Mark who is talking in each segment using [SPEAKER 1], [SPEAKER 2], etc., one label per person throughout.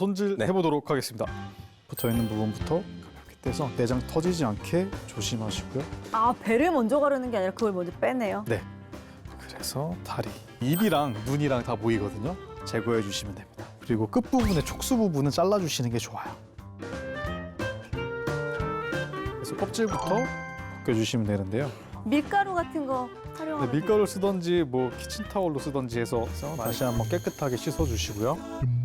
[SPEAKER 1] 손질해 보도록 하겠습니다. 붙어 있는 부분부터 가볍게 떼서 내장 터지지 않게 조심하시고요.
[SPEAKER 2] 아, 배를 먼저 가르는 게 아니라 그걸 먼저 빼내요?
[SPEAKER 1] 네. 그래서 다리, 입이랑 눈이랑 다 보이거든요. 제거해 주시면 됩니다. 그리고 끝부분의 촉수 부분은 잘라주시는 게 좋아요. 그래서 껍질부터 벗겨주시면 되는데요.
[SPEAKER 2] 밀가루 같은 거 활용하면
[SPEAKER 1] 네, 밀가루를 쓰던지 뭐 키친타올로 쓰던지 해서 다시 한번 깨끗하게 씻어주시고요.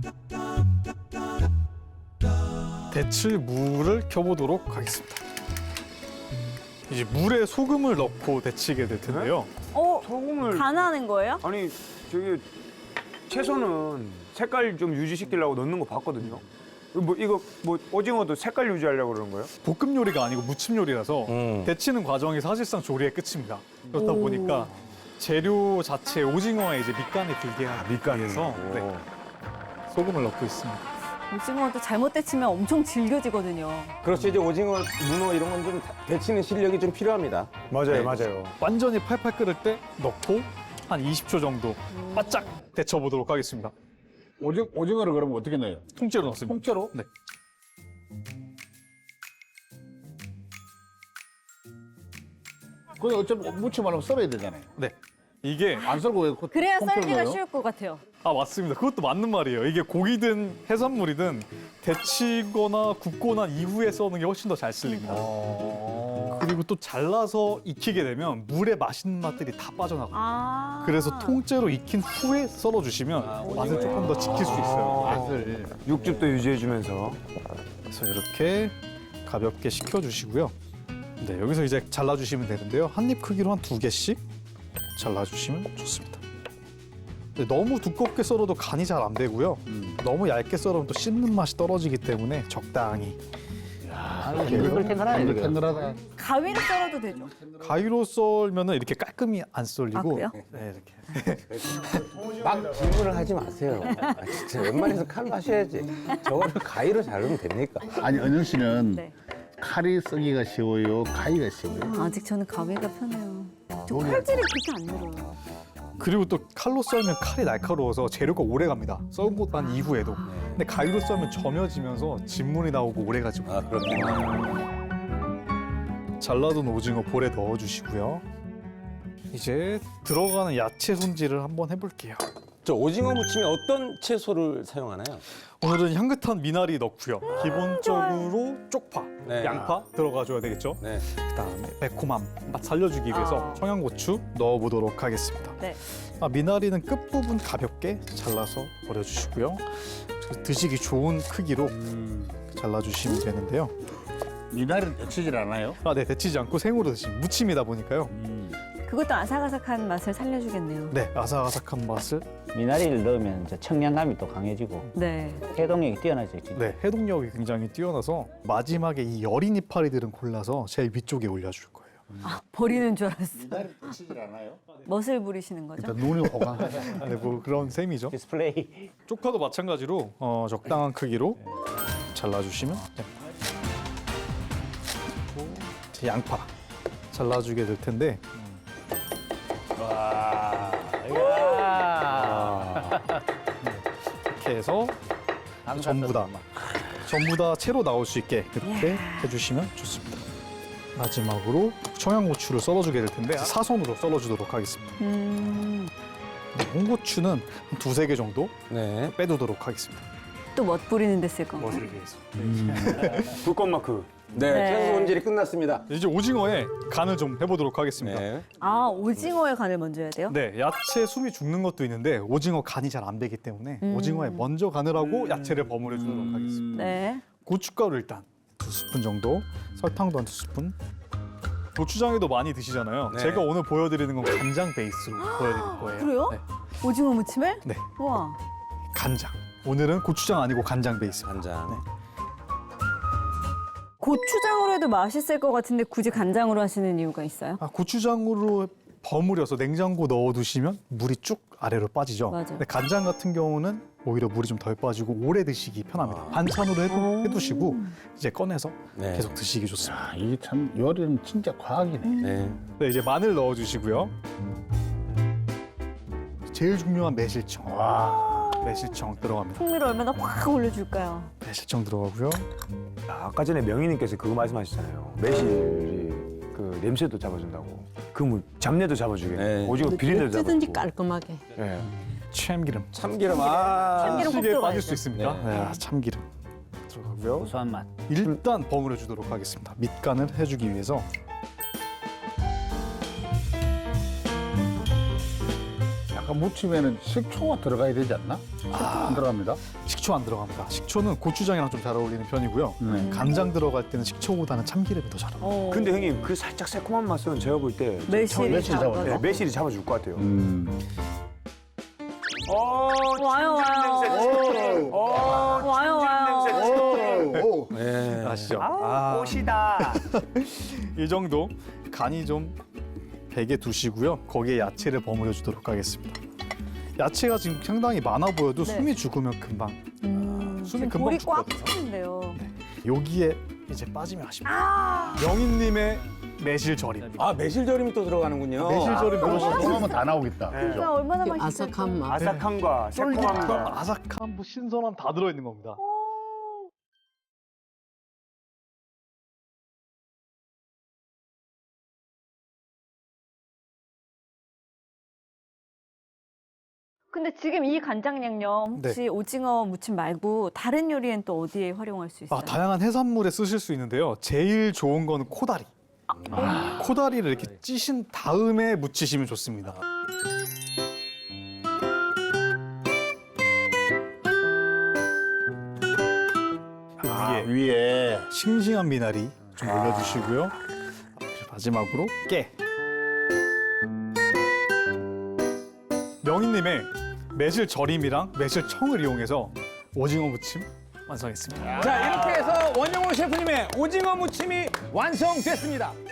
[SPEAKER 1] 데칠 물을 켜보도록 하겠습니다. 이제 물에 소금을 넣고 데치게 될 텐데요.
[SPEAKER 3] 소금을
[SPEAKER 2] 간하는 거예요?
[SPEAKER 3] 아니 저기 채소는 색깔 좀 유지시키려고 넣는 거 봤거든요. 이거 오징어도 색깔 유지하려고 그러는 거예요?
[SPEAKER 1] 볶음 요리가 아니고 무침 요리라서 데치는 과정이 사실상 조리의 끝입니다. 그렇다 보니까 재료 자체 오징어에 이제 밑간에 들게 하기 위해서 네, 소금을 넣고 있습니다.
[SPEAKER 2] 오징어도 잘못 데치면 엄청 질겨지거든요.
[SPEAKER 4] 그렇죠. 이제 오징어, 문어 이런 건 좀 데치는 실력이 좀 필요합니다.
[SPEAKER 3] 맞아요,
[SPEAKER 4] 네.
[SPEAKER 3] 맞아요.
[SPEAKER 1] 완전히 팔팔 끓을 때 넣고 한 20초 정도 바짝 데쳐보도록 하겠습니다.
[SPEAKER 5] 오징어를 그러면 어떻게 넣어요?
[SPEAKER 1] 통째로 넣습니다.
[SPEAKER 5] 통째로?
[SPEAKER 1] 네.
[SPEAKER 5] 근데 어차피 무치 말하면 썰어야 되잖아요.
[SPEAKER 1] 네. 이게
[SPEAKER 5] 안 썰고 왜
[SPEAKER 2] 그래야
[SPEAKER 5] 통째로
[SPEAKER 2] 썰기가
[SPEAKER 5] 넣어요?
[SPEAKER 2] 쉬울 것 같아요.
[SPEAKER 1] 맞습니다. 그것도 맞는 말이에요. 이게 고기든 해산물이든 데치거나 굽고 난 이후에 써는 게 훨씬 더 잘 쓸립니다. 그리고 또 잘라서 익히게 되면 물에 맛있는 맛들이 다 빠져나가요.
[SPEAKER 2] 아.
[SPEAKER 1] 그래서 통째로 익힌 후에 썰어주시면 맛을 조금 더 지킬 수 있어요.
[SPEAKER 5] 맛을.
[SPEAKER 3] 육즙도 유지해주면서.
[SPEAKER 1] 그래서 이렇게 가볍게 식혀주시고요. 네, 여기서 이제 잘라주시면 되는데요. 한 입 크기로 한 2개씩 잘라주시면 좋습니다. 근데 너무 두껍게 썰어도 간이 잘 안 되고요. 너무 얇게 썰으면 또 씹는 맛이 떨어지기 때문에 적당히.
[SPEAKER 5] 탱글탱글하네. 탱글하다.
[SPEAKER 2] 가위로 썰어도 되죠?
[SPEAKER 1] 가위로 썰면은 이렇게 깔끔히 안 썰리고.
[SPEAKER 2] 아, 그래요?
[SPEAKER 1] 네, 이렇게.
[SPEAKER 4] 막 질문을 하지 마세요. 진짜 웬만해서 칼로 하셔야지. 저거를 가위로 자르면 됩니까?
[SPEAKER 5] 아니, 은영 씨는
[SPEAKER 2] 네.
[SPEAKER 5] 칼이 쓰기가 쉬워요? 가위가 쉬워요?
[SPEAKER 2] 아직 저는 가위가 편해요. 저 칼질이 그렇게 안 늘어요.
[SPEAKER 1] 그리고 또 칼로 썰면 칼이 날카로워서 재료가 오래 갑니다. 썰고 난 이후에도. 근데 가위로 썰면 점여지면서 진물이 나오고 오래 가지 못해요.
[SPEAKER 4] 아, 그렇군요.
[SPEAKER 1] 잘라둔 오징어 볼에 넣어주시고요. 이제 들어가는 야채 손질을 한번 해볼게요.
[SPEAKER 4] 저 오징어 무침에 어떤 채소를 사용하나요?
[SPEAKER 1] 오늘은 향긋한 미나리 넣고요. 기본적으로 쪽파,
[SPEAKER 4] 네.
[SPEAKER 1] 양파 들어가줘야 되겠죠.
[SPEAKER 4] 네.
[SPEAKER 1] 그다음에 매콤함 맛 살려주기 위해서 청양고추 넣어보도록 하겠습니다.
[SPEAKER 2] 네.
[SPEAKER 1] 미나리는 끝부분 가볍게 잘라서 버려주시고요. 드시기 좋은 크기로 잘라주시면 되는데요.
[SPEAKER 5] 미나리는 데치질 않아요?
[SPEAKER 1] 네, 데치지 않고 생으로 드시면 무침이다 보니까요.
[SPEAKER 2] 그것도 아삭아삭한 맛을 살려주겠네요.
[SPEAKER 1] 네, 아삭아삭한 맛을.
[SPEAKER 6] 미나리를 넣으면 이제 청량감이 또 강해지고
[SPEAKER 2] 네.
[SPEAKER 6] 해동력이 뛰어나죠. 진짜.
[SPEAKER 1] 네, 해동력이 굉장히 뛰어나서 마지막에 이 여린 이파리들은 골라서 제일 위쪽에 올려줄 거예요.
[SPEAKER 2] 아, 버리는 줄 알았어.
[SPEAKER 5] 미나리 데치질 않아요?
[SPEAKER 2] 멋을 부리시는 거죠?
[SPEAKER 5] 일단 눈이 호강하죠.
[SPEAKER 1] 네, 뭐 그런 셈이죠.
[SPEAKER 6] 디스플레이.
[SPEAKER 1] 쪽파도 마찬가지로 적당한 크기로 잘라주시면 됩니다. 그리고 이제 양파 잘라주게 될 텐데 이렇게 해서 전부 다 채로 나올 수 있게 이렇게 해주시면 좋습니다. 마지막으로 청양고추를 썰어주게 될 텐데 사선으로 썰어주도록 하겠습니다. 홍고추는 한 2-3개 정도
[SPEAKER 4] 네.
[SPEAKER 1] 빼두도록 하겠습니다.
[SPEAKER 2] 또 멋 부리는 데 쓸 건가요?
[SPEAKER 1] 멋을 위해서.
[SPEAKER 3] 불꽃 마크.
[SPEAKER 4] 네.
[SPEAKER 2] 네.
[SPEAKER 4] 채소 손질이 끝났습니다.
[SPEAKER 1] 이제 오징어에 간을 좀 해보도록 하겠습니다.
[SPEAKER 4] 네.
[SPEAKER 2] 아, 오징어에 간을 먼저 해야 돼요?
[SPEAKER 1] 네, 야채 숨이 죽는 것도 있는데 오징어 간이 잘 안 배기 때문에 오징어에 먼저 간을 하고 야채를 버무려 주도록 하겠습니다.
[SPEAKER 2] 네.
[SPEAKER 1] 고춧가루 일단 2스푼 정도, 설탕도 한 2스푼. 고추장에도 많이 드시잖아요.
[SPEAKER 4] 네.
[SPEAKER 1] 제가 오늘 보여드리는 건 간장 베이스로 보여드릴 거예요.
[SPEAKER 2] 그래요?
[SPEAKER 1] 네.
[SPEAKER 2] 오징어 무침을?
[SPEAKER 1] 네,
[SPEAKER 2] 우와.
[SPEAKER 1] 간장. 오늘은 고추장 아니고 간장 베이스.
[SPEAKER 4] 간장.
[SPEAKER 1] 네.
[SPEAKER 2] 고추장으로 해도 맛있을 것 같은데 굳이 간장으로 하시는 이유가 있어요?
[SPEAKER 1] 고추장으로 버무려서 냉장고 넣어두시면 물이 쭉 아래로 빠지죠.
[SPEAKER 2] 맞아요.
[SPEAKER 1] 근데 간장 같은 경우는 오히려 물이 좀 덜 빠지고 오래 드시기 편합니다. 반찬으로 해두시고 이제 꺼내서
[SPEAKER 4] 네.
[SPEAKER 1] 계속 드시기 좋습니다.
[SPEAKER 5] 아, 이게 참 요리는 진짜 과학이네.
[SPEAKER 4] 네.
[SPEAKER 1] 네, 이제 마늘 넣어주시고요. 제일 중요한 매실청. 매실청 들어갑니다.
[SPEAKER 2] 풍미를 얼마나 확 올려줄까요?
[SPEAKER 1] 매실청 들어가고요.
[SPEAKER 3] 아까 전에 명희님께서 그거 말씀하셨잖아요. 매실이 그 냄새도 잡아준다고. 그 뭐 잡내도 잡아주겠네.
[SPEAKER 4] 네.
[SPEAKER 3] 오징어 비린내도 잡아주고.
[SPEAKER 7] 어찌든지 깔끔하게.
[SPEAKER 3] 예.
[SPEAKER 1] 참기름.
[SPEAKER 4] 참기름
[SPEAKER 2] 참기름 꼭
[SPEAKER 1] 시계에
[SPEAKER 2] 들어가야
[SPEAKER 1] 빠질
[SPEAKER 2] 돼.
[SPEAKER 1] 수 있습니까?
[SPEAKER 4] 네.
[SPEAKER 1] 네, 참기름 들어가고요.
[SPEAKER 6] 고소한 맛.
[SPEAKER 1] 일단 버무려 주도록 하겠습니다. 밑간을 해주기 위해서.
[SPEAKER 5] 약간 무침에는 식초가 들어가야 되지 않나? 식초 안 들어갑니다.
[SPEAKER 1] 식초 안 들어갑니다. 식초는 고추장이랑 좀 잘 어울리는 편이고요. 간장 들어갈 때는 식초보다는 참기름이 더 잘 어울려요.
[SPEAKER 3] 근데 형님 그 살짝 새콤한 맛은 제가 볼 때
[SPEAKER 2] 매실이
[SPEAKER 5] 매실 잡아줘.
[SPEAKER 2] 잡아서.
[SPEAKER 3] 네, 매실이 잡아줄 것 같아요.
[SPEAKER 2] 와요, 와요. 와요, 와요.
[SPEAKER 1] 아시죠?
[SPEAKER 3] 꽃이다.
[SPEAKER 1] 이 정도 간이 좀 배게 두시고요. 거기에 야채를 버무려 주도록 하겠습니다. 야채가 지금 상당히 많아 보여도
[SPEAKER 2] 네.
[SPEAKER 1] 숨이 죽으면 금방 숨이
[SPEAKER 2] 지금
[SPEAKER 1] 금방
[SPEAKER 2] 볼이 꽉
[SPEAKER 1] 죽거든요.
[SPEAKER 2] 차는데요.
[SPEAKER 1] 여기에 이제 빠지면 아쉽니다. 명인님의 매실절임.
[SPEAKER 4] 아 매실절임이 또 들어가는군요.
[SPEAKER 1] 매실절임 넣으시면
[SPEAKER 5] 그러면 다 나오겠다.
[SPEAKER 3] 네.
[SPEAKER 2] 진짜 얼마나 맛있을까?
[SPEAKER 7] 아삭한 맛.
[SPEAKER 3] 아삭함과 새콤함과
[SPEAKER 1] 쫄깃함, 아삭함, 뭐 신선함 다 들어있는 겁니다.
[SPEAKER 2] 근데 지금 이 간장 양념 혹시 오징어 무침 말고 다른 요리엔 또 어디에 활용할 수 있어요?
[SPEAKER 1] 다양한 해산물에 쓰실 수 있는데요. 제일 좋은 거는 코다리. 코다리를 이렇게 찌신 다음에 무치시면 좋습니다. 그
[SPEAKER 5] 위에
[SPEAKER 1] 싱싱한 미나리 좀 올려주시고요. 마지막으로 깨. 명인님의 매실절임이랑 매실청을 이용해서 오징어 무침 완성했습니다.
[SPEAKER 4] 자 이렇게 해서 원영호 셰프님의 오징어 무침이 완성됐습니다.